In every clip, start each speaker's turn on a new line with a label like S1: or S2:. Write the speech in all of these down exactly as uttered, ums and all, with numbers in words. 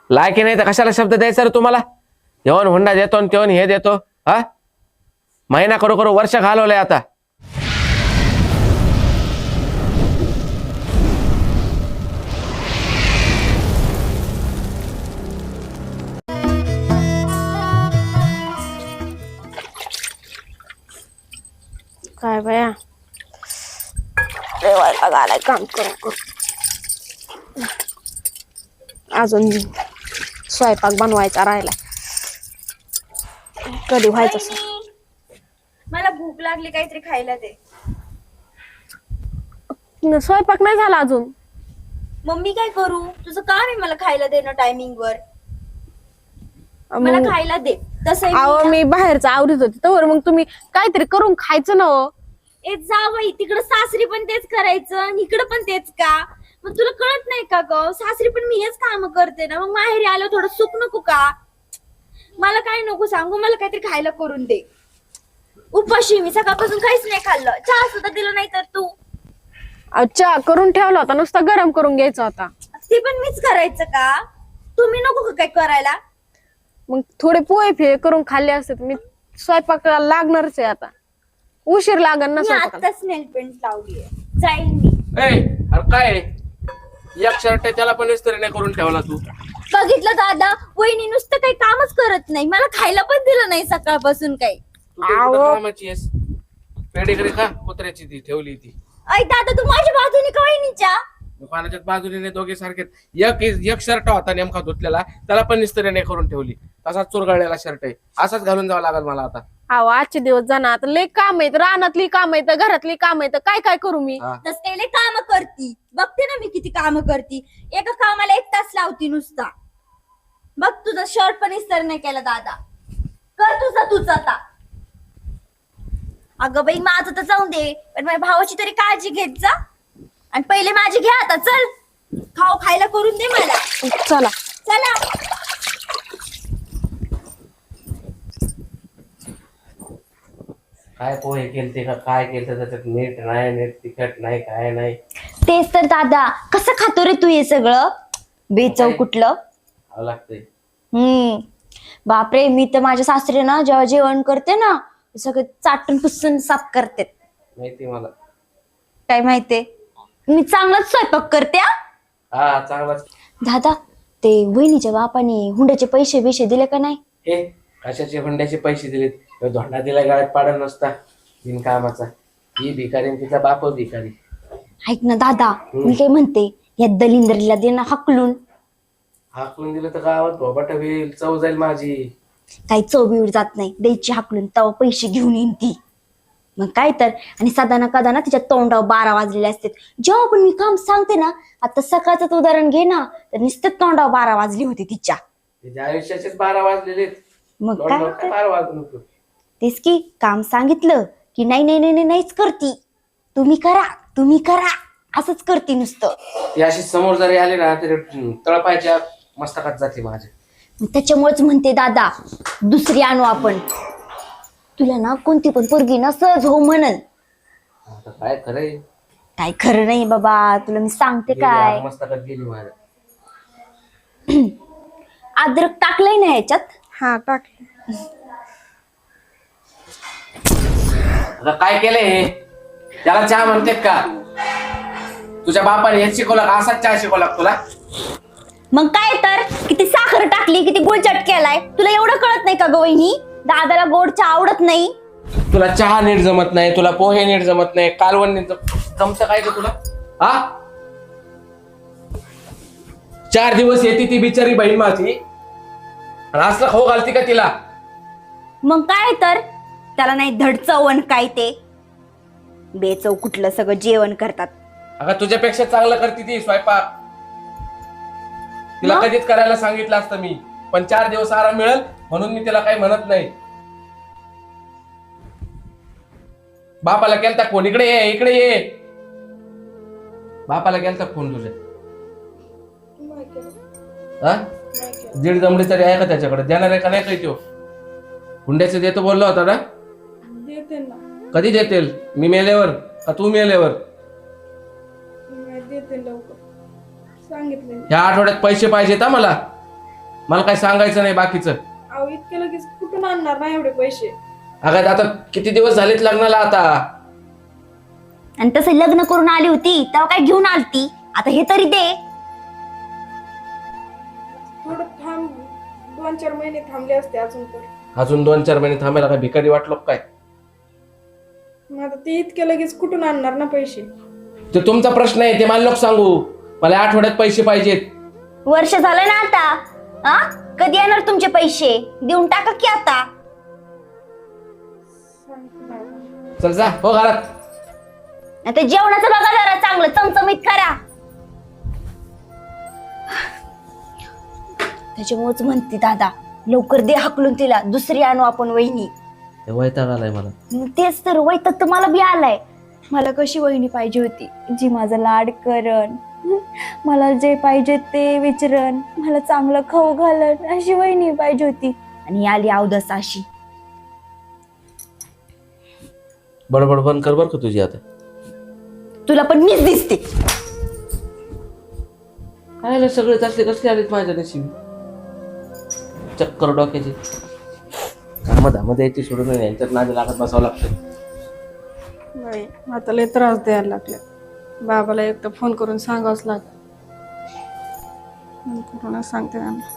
S1: लायकी नाही तर कशाला शब्द द्यायचा रे तुम्हाला? येऊन हुंडा देतो आणि तेवून हे देतो. हा महिना करू करू वर्ष घालवलंय आता.
S2: काय बाया रेवायला गालाय काम करून करून. अजून स्वयंपाक बनवायचा राहिला. कधी व्हायचं असं?
S3: मला भूक लागली, काहीतरी खायला दे.
S2: स्वयंपाक नाही झाला अजून.
S3: मम्मी काय करू? तुझं काम आहे मला खायला देणं टायमिंग वर. मला
S2: मग-
S3: खायला दे. तसं
S2: अहो मी बाहेरचं आवडत होते तर मग तुम्ही काहीतरी करून खायचं ना हो.
S3: ए जा बाई, तिकडं सासरी पण तेच करायचं आणि इकडं पण तेच का? मग तुला कळत नाही का ग? सासरी पण मी हेच काम करते ना, मग माहेरी आलं थोडं सुख नको का? मला काय नको सांगू, मला काहीतरी खायला करून दे. उपाशी मी सकाळपासून काहीच नाही खाल्लं. चहा सुद्धा दिलं नाही तर तू.
S2: चहा करून ठेवला होता, नुसता गरम करून घ्यायचा होता.
S3: ते पण मीच करायचं का? तुम्ही नको का काय करायला?
S2: मग थोडे पोहे फे करून खाल्ले असते तर मी स्वयंपाकाला लागणारच आहे आता. उशीर लागन ना
S3: मी
S2: स्वयंपाकाला.
S3: आताच नेल पेंट लावलीये, जाईल मी.
S1: ए अरे काय आहे? एक शर्ट त्याला पण इस्त्री नाही करून ठेवला तू.
S3: बघितलं दादा, वहिनी नुसतं काही कामच करत नाही, मला खायला पण दिलं नाही सकाळपासून काही.
S1: कामाची आहेस. पेडीकडे का कुत्र्याची ती ठेवली ती.
S3: ऐ दादा, तू माझ्या बाजूने का वहिनीच्या?
S1: दुकानाच्या बाजूने दोघे सारखे. एक एक शर्ट होता नेमका धुतलेला, त्याला पण इस्त्री नाही करून ठेवली. तसाच चुरगळलेला शर्ट आहे. असाच घालून जावं लागेल मला आता.
S2: अहो आजचे दिवस जाणार आता. लय काम आहेत, रानातली काम आहेत, घरातली काम आहेत, काय काय करू मी?
S1: हा.
S3: तस त्याला काम करती, बघते ना मी किती काम करती. एका कामाला एक तास लावती नुसता. बघ तुझा शर्ट पण इस्त्री नाही केला दादा. कर तुझा तुझा आता. अगं बाई, माझं तर जाऊन दे, पण माझ्या भावाची तरी काळजी घेत जा. आणि पहिले माझी घ्या आता. चल खाऊ खायला करून दे मला.
S2: चला
S3: चला.
S1: काय पोहे केलते का काय केलं त्याच्यात? नीट नाही, नीट तिखट नाही, काय नाही.
S3: तेच तर दादा, कसं खातो रे तू हे सगळं? बेचव कुठलं.
S1: खावं लागतंय.
S3: हम्म बापरे, मी तर माझ्या सासरे ना जेव्हा जेवण करते ना, सगळं चाटून पुसून साफ करते.
S1: माहिती मला.
S3: काय माहितीये, मी चांगलाच स्वयंपाक करते. हा?
S1: हा चांगलाच.
S3: दादा, ते वहिनीच्या बापाने हुंड्याचे पैसे बिशे दिले का नाही?
S1: हे कशाचे हुंड्याचे पैसे दिलेत? तो धोंडा दिला गाळ्यात पाडत नसता बिनकामाचा. ही भिकारी आणि तिचा बाप भिकारी.
S3: ऐक ना दादा, मी काय म्हणते, या दलिंदरीला दे ना हाकलून.
S1: हाकलून दिलं तर गावात भोबाट होईल, चव जाईल माझी.
S3: काही चव जात नाही, द्यायची हाकलून, तेव्हा पैसे घेऊन येईन ती. मग काय तर. आणि सदा ना कदा ना तिच्या तोंडावर बारा वाजलेले असते. जेव्हा पण मी काम सांगते ना, आता सकाळचं उदाहरण घे ना, तर नुसतं तोंडावर बारा वाजली होती तिच्या.
S1: तिच्या आयुष्याचेच बारा वाजलेले.
S3: मग काय तर.
S1: बारा वाजून होतो.
S3: तेच की, काम सांगितलं की नाही नाही नाही नाही, नाहीच करती. तुम्ही करा तुम्ही करा असंच करती नुसतं.
S1: ती अशी समोर जरी आली ना तरी तळपायच्या मस्तकात जाते माझ्या.
S3: मग त्याच्यामुळेच म्हणते दादा, दुसरी आणू आपण. तुला ना कोणती पण पोरगी ना सहज हो म्हणन.
S1: आता काय खरंय?
S3: काय खरं नाही बाबा, तुला मी सांगते काय.
S1: मस्तकात गेली माझ्या.
S3: अद्रक टाकलंय ना ह्याच्यात?
S2: हा टाकले.
S1: आता काय केलंय हे? त्याला चहा म्हणतेत का? तुझ्या बापाने हेच शिकवला का? असाच चहा शिकवला तुला?
S3: मग काय तर, किती साखर टाकली, किती गुळचट केलाय. तुला एवढं कळत नाही का ग वहिनी? दादाला गोड चहा आवडत नाही.
S1: तुला चहा नीट जमत नाही, तुला पोहे नीट जमत नाही, कालवण नीट जमत काय का तुला? हा चार दिवस येते ती बिचारी बहीण माझी, आणि असलं खाऊ घालती का तिला?
S3: मग काय तर, त्याला नाही धड चवण काय ते. बेचव कुठलं सगळं जेवण करतात.
S1: अगं तुझ्यापेक्षा चांगलं करते ती स्वयंपाक. तिला
S3: मग?
S1: कधीच करायला सांगितलं असतं मी, पण चार दिवस आराम मिळेल म्हणून मी तिला काही म्हणत नाही. बापाला केलता फोन, इकडे ये इकडे ये. बापाला केलता फोन तुझ्या? हा दीड जमडी तरी आहे का त्याच्याकडे? देणार आहे का नाही काही? तो हुंड्याचं देतो बोलला होता ना?
S2: देते ना.
S1: कधी देतील? मी मेल्यावर का तू मेल्यावर?
S2: देते लवकर, सांगितले.
S1: ह्या आठवड्यात पैसे पाहिजेत हा मला. मला काय सांगायचं नाही बाकीचं.
S2: अहो इतके लगेच कुठून आणणार ना एवढे पैसे?
S1: अगं आता किती दिवस झालेत लग्नाला आता.
S3: आणि तसं लग्न करून आली होती तेव्हा काय घेऊन आलती, आता हे तरी दे.
S2: थोडं थांब, दोन चार महिने थांबले असते अजून तर.
S1: अजून दोन चार महिने थांबायला काय भिकारी वाटलो काय?
S2: मग आता ते इतके लगेच कुठून आणणार ना पैसे?
S1: ते तुमचा प्रश्न आहे, ते मला लोक सांगू. मला आठवड्यात पैसे पाहिजेत.
S3: वर्ष झालं ना आता. हा कधी येणार तुमचे पैसे? देऊन टाका की आता.
S1: चल जा हो घरात.
S3: आता जेवणाचं बघा जरा चांगलं चमचमीत करा. त्याच्यामुळेच म्हणते दादा लवकर दे हाकलून तिला, दुसरी आणू आपण वहिनी.
S1: वैताग आलाय मला.
S3: मग तेच तर वैताग तर मला बी आलाय. मला कशी वहिनी पाहिजे होती जी माझा लाड करण, मला जे पाहिजे ते विचारण, मला चांगलं खाऊ घालन, अशी वहिनी पाहिजे होती. आणि आली अवदस अशी.
S1: बडबड बंद कर बर का तुझी आता.
S3: तुला पण मीच दिसते.
S1: काय सगळे असले कसले आलेत माझ्या नशिबी. चक्कर डोक्याची काम धामध्ये यायची सोडून यांच्यात नादी लागत बसावं लागतं.
S2: नाही आता लय त्रास द्यायला लागले. बाबाला एक तर फोन करून सांगावंच लागत. करूनच सांगते त्यांना.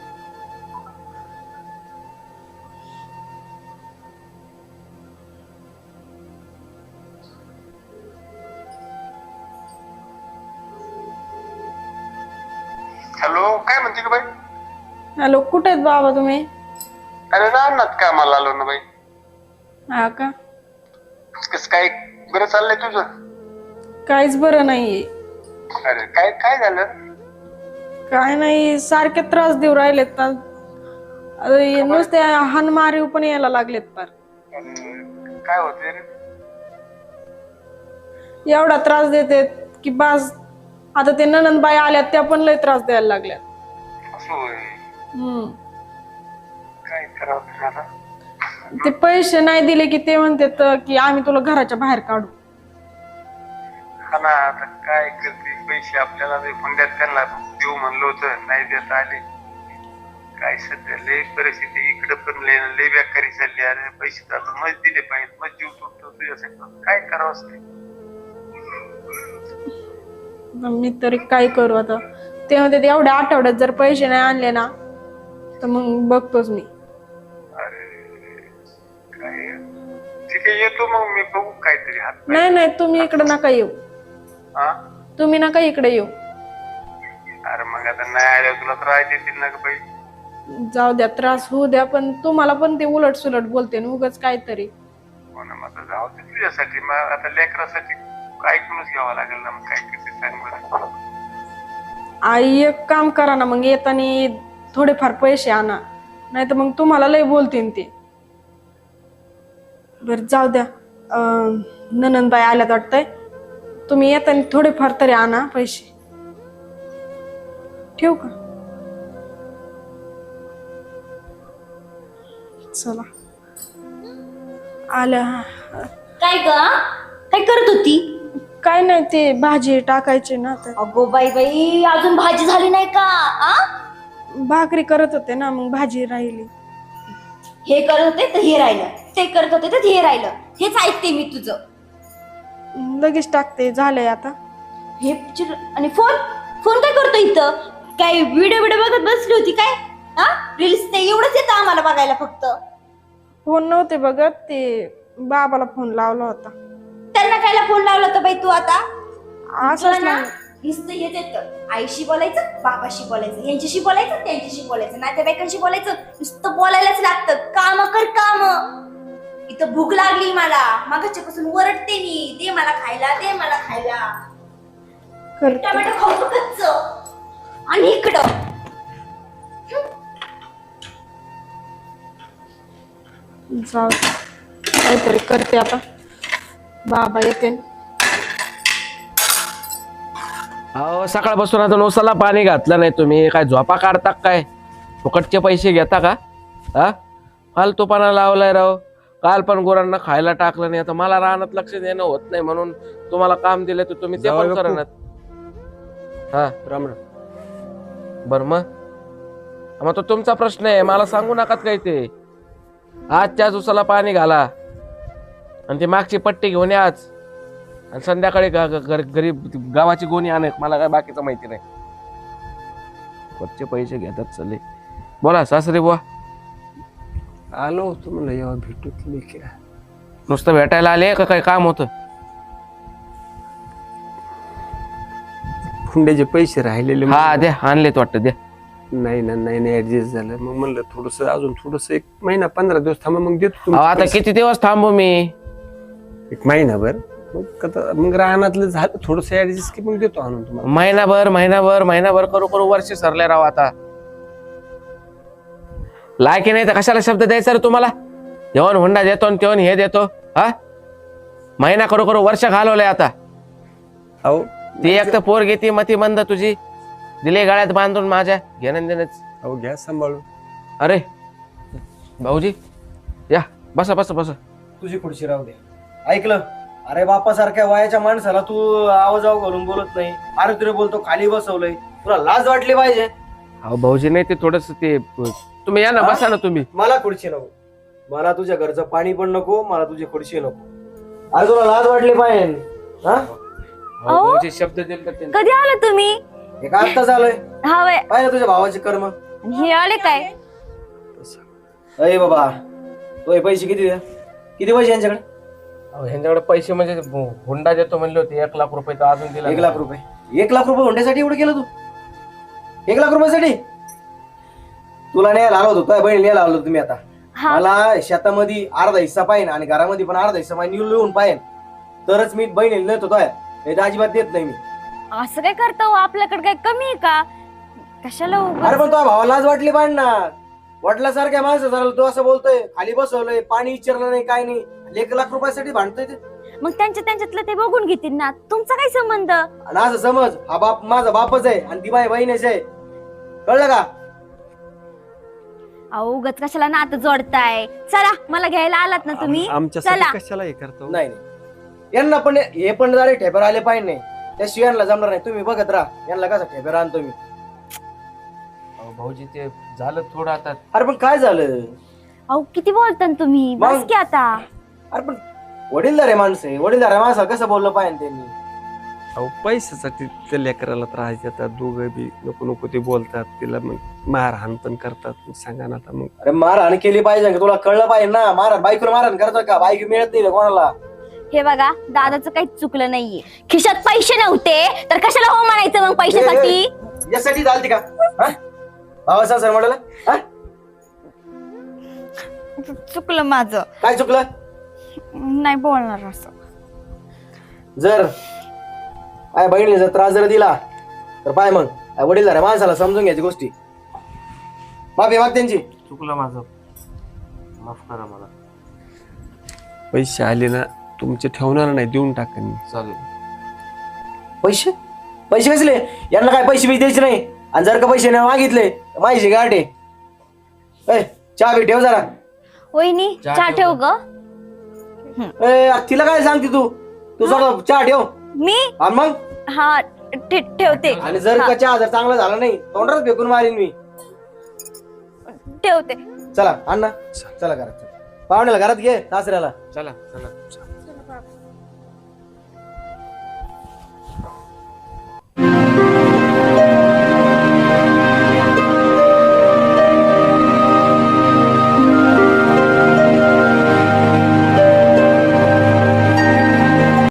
S4: हॅलो, काय म्हणते का बाई?
S2: हॅलो, कुठे आहेत बाबा तुम्ही?
S4: अरे राहणार कामाला आलो ना बाई.
S2: हा का?
S4: कस काय बरं चाललंय तुझं?
S2: काहीच बरं नाहीये.
S4: अरे काय काय झालं?
S2: काय नाही, सारखे त्रास देऊ राहिलेत ना. अरे नुसते हानमारीव पण यायला लागलेत पार.
S4: अरे, काय होते रे?
S2: एवढा त्रास देते की बस. आता ते ननंदबाई आल्यात त्या पण लय त्रास द्यायला लागल्यात.
S4: असं होय.
S2: हम्म
S4: काय करावं आता?
S2: ते पैसे नाही दिले की ते म्हणतात की आम्ही तुला घराच्या बाहेर काढू.
S4: हा ना, आता काय करते? पैसे आपल्याला हुंड्यात त्यांना देऊ म्हणलं होतं, नाही देत आले. काय सध्या लय परिस्थिती इकडे पण लय लय बेकारी चालली. अरे पैसे तर आता मज दिले पाहिजे, मज जीव तुटतो तुझ्यासाठी. काय करावं असते?
S2: मी तरी काय करू आता? ते म्हणते एवढ्या आठवड्यात जर पैसे नाही आणले ना तर मग बघतोच मी.
S4: अरे काय, ठीक आहे येतो मग मी, बघू काहीतरी हात.
S2: नाही नाही, तुम्ही इकडे नका येऊ.
S4: हा,
S2: तुम्ही नका इकडे येऊ.
S4: अरे मग आता नाही आल्या तुला त्रास देतील ना ग बाई.
S2: जाऊ द्या, त्रास होऊ द्या, पण तुम्हाला पण ते उलट सुलट बोलते ना उगाच काहीतरी.
S4: हो ना, मग जाऊ दे तुझ्यासाठी. मग आता लेकरासाठी ऐकूनच घ्यावं लागेल ना. मग काय करते सांग बरं.
S2: आई एक काम करा ना, मग येताना थोडेफार पैसे आणा, नाही तर मग तुम्हाला लय बोलते ते. बर जाऊ द्या, ननंदबाई आल्यात वाटतंय. तुम्ही येताना थोडेफार तरी आणा पैसे. ठेवू का? चला आल्या.
S3: काय ग काय करत होती?
S2: काय नाही, ते भाजी टाकायची ना तर.
S3: अगो बाई बाई, अजून भाजी झाली नाही का? आ?
S2: भाकरी करत होते ना, मग भाजी राहिली.
S3: हे करत होते तर हे राहिलं, ते करत होते तर हे राहिलं. हेच ऐकते मी तुझं.
S2: लगेच टाकते, झालंय आता.
S3: हे चिर- आणि फोन फोन काय करतो इथं? काय व्हिडिओ व्हिडिओ बघत बसली होती काय? हा रील्स ते एवढंच येतं आम्हाला बघायला फक्त.
S2: फोन नव्हते बघत, ते बाबाला फोन लावला होता.
S3: त्यांना कायला फोन लावला तर बाई तू आता?
S2: असंच
S3: तुला ना
S2: ना,
S3: नुसतं हेच येतं, आईशी बोलायचं, बाबाशी बोलायचं, यांच्याशी बोलायचं, त्यांच्याशी बोलायचं, नातेवाईकांशी बोलायचं, नुसतं बोलायलाच लागतं. काम कर काम. इथं भूक लागली मला, मागच्या पासून वरडते मी, दे मला खायला, दे मला खायला.
S2: करते.
S3: टोमॅटो खाऊ कच्च. आणि इकडं
S2: जाऊ दे. काहीतरी करते आता, बाबा येते.
S1: अहो सकाळपासून आता नोसाला पाणी घातलं नाही तुम्ही. काय झोपा काढता काय? फुकटचे पैसे घेता का? हा फालतूपणा लावलाय राव. काल पण गुरांना खायला टाकलं नाही. आता मला रानात लक्ष देणं होत नाही म्हणून तुम्हाला काम दिलं तर तुम्ही ते पण करणार. हा
S5: राम राम.
S1: बर मग मग तो तुमचा प्रश्न आहे, मला सांगू नका काही ते. आजच्या उसाला पाणी घाला आणि ती मागची पट्टी घेऊन या आज, आणि संध्याकाळी ग- ग- घर- घरी गावाची गोणी आणत. मला काय बाकीचं माहिती नाही. वरचे पैसे घेतात चले. बोला सासरे बुवा.
S5: आलो होतो म्हणलं जेव्हा भेटू तुम्ही क्या
S1: नुसतं भेटायला आले का काही काम होतं?
S5: हुंड्याचे पैसे राहिलेले
S1: हा द्या, आणलेत वाटतं, द्या.
S5: नाही ना नाही नाही ऍडजस्ट झालं. मग म्हणलं थोडस अजून थोडस एक महिना पंधरा दिवस थांबा मग देतो
S1: अहो,
S5: तुमचे
S1: आता
S5: पैसे.
S1: किती दिवस थांबू मी?
S5: एक महिनाभर मग आता मग रानातलं झालं थोडस ऍडजस्ट की मग देतो आणून तुम्हाला.
S1: महिनाभर महिनाभर महिनाभर करू करू वर्ष सरले राव. आता लायकी नाही तर कशाला शब्द द्यायचा रे तुम्हाला? जेवण हुंडा देतो आणि तेवण हे देतो. हा महिना करू करू वर्ष घालवलंय आता.
S5: अहो
S1: ती एक तर पोर घेते मती मंद तुझी, दिले गाळ्यात बांधून माझ्या घेणं देणंच.
S5: अहो घ्या सांभाळून.
S1: अरे भाऊजी या, बसा बसा बसा.
S6: तुझी खुर्ची राहू दे. ऐकलं? अरे बापासारख्या वयाच्या माणसाला तू आवाजाव घालून बोलत नाही. अरे तुला बोलतो खाली बसवलंय, तुला लाज वाटली पाहिजे.
S1: अहो भाऊजी नाही ते थोडस ते, तुम्ही या ना, बसा ना तुम्ही.
S6: मला खुर्ची नको, मला तुझ्या घरचं पाणी पण नको, मला तुझी खुर्ची नको. अरे तुला लाज वाटली पाहिजे. हा
S1: अहो, भाऊजी शब्द दिले तर त्यांनी.
S3: कधी आले तुम्ही?
S6: हे का आत्ता झालंय?
S3: हा वय,
S6: पाहिलं तुझ्या भावाचे कर्म.
S3: हे आले काय?
S6: अरे बाबा, तो हे पैसे किती द्या? किती पैसे यांच्याकडे?
S1: अहो, ह्यांच्याकडे पैसे म्हणजे हुंडा देतो म्हणले होते, एक लाख रुपये तर अजून दिला
S6: एक
S1: नाही.
S6: लाख रुपये एक लाख रुपये हुंड्यासाठी एवढं केलं तू? एक लाख रुपयासाठी? तुला न्यायला आलो होतो, तुझ्या बहीण न्यायला आलो होतो तुम्ही. आता
S3: हा
S6: मला शेतामध्ये अर्धा हिस्सा पाहिजे आणि घरामध्ये पण अर्धा हिस्सा पाहिजे, लिहून पाहिजे तरच मी बहिणीला नेतो. नाही तर अजिबात देत नाही मी.
S3: असं काय करता हो? आपल्याकडे काय कमी आहे का? कशाला उगाच?
S6: अरे पण तुझ्या भावाला लाज वाटली पाहिजे ना. वडिलासारख्या माणसं झालं तू असं बोलतोय, खाली बसवलंय, पाणी विचारलं नाही, काय नाही, एक लाख रुपयासाठी भांडतोय ते.
S3: मग त्यांच्या त्यांच्यातलं ते बघून घेतील ना, तुमचा काय संबंध?
S6: आणि असं समज हा बाप माझा बापच आहे आणि ती माझी बहीणच आहे. कळलं का?
S3: अहो उगाच कशाला नातं जोडताय? चला, मला घ्यायला आलात ना तुम्ही,
S5: आम- आमच्यासाठी
S3: चला.
S5: कशाला हे करतो?
S6: नाही नाही, यांना पण हे पण जरा ठेपर आले पाहिजे नाही, त्याशिवाय यांना जमणार नाही. तुम्ही बघत राहा यांना कसा ठेपर आणतो मी.
S1: अहो, भाऊजी ते झालं थोडं आता.
S6: अरे पण काय झालं?
S3: अहो किती बोलता ना तुम्ही,
S6: मग?
S3: बस की आता.
S6: अरे पण वडीलधार आहे माणसं आहे, वडीलधार आहे माणसाला कसं बोललं पाहिजे त्यांनी.
S5: अहो पैशासाठी त्या लेकराला त्रास देतात दोघं बी. नको नको ते बोलतात, तिला मग मारहाण पण करतात. मग सांगा ना आता. मग
S6: अरे मारहाण केली पाहिजे का? तुला कळलं पाहिजे ना. मारहाण बायकोला मारहाण करतात का? बायको मिळत नाही रे कोणाला.
S3: हे बघा, दादाचं काहीच चुकलं नाहीये. खिशात पैसे नव्हते तर कशाला हो म्हणायचं मग पैशासाठी?
S6: यासाठी चालते का? भावाचा सर म्हणाला हा?
S3: चुकलं माझं,
S6: काय चुकलं?
S3: नाही बोलणार असं.
S6: जर आय बहिणीने जर त्रास जर दिला तर पाय मग वडीलधार आहे माणसाला समजून घ्यायची गोष्टी. माफी माग त्यांची.
S1: चुकलं माझं, माफ करा मला.
S5: पैसे आले ना तुमचे ठेवणार नाही, देऊन टाका मी.
S1: चालेल.
S6: पैसे पैसे कसले? यांना काय पैसे बी द्यायचे नाही. आणि जर का पैसे नाही मागितले माझी गाठ आहे. ए, चहा बी ठेव जरा.
S3: वहिनी
S1: चहा
S3: चहा
S1: ठेव
S3: ठेव ग.
S6: ए, तिला काय सांगते तू? तू सगळं चहा ठेव.
S3: मी
S6: आणि मग
S3: हा ठे- ठेवते.
S6: आणि जर का चहा जर चांगला झाला नाही तोंडात फेकून मारीन मी.
S3: ठेवते.
S6: चला अण्णा चला घरात. पाहुण्याला घरात घे, सासऱ्याला.
S1: चला चला.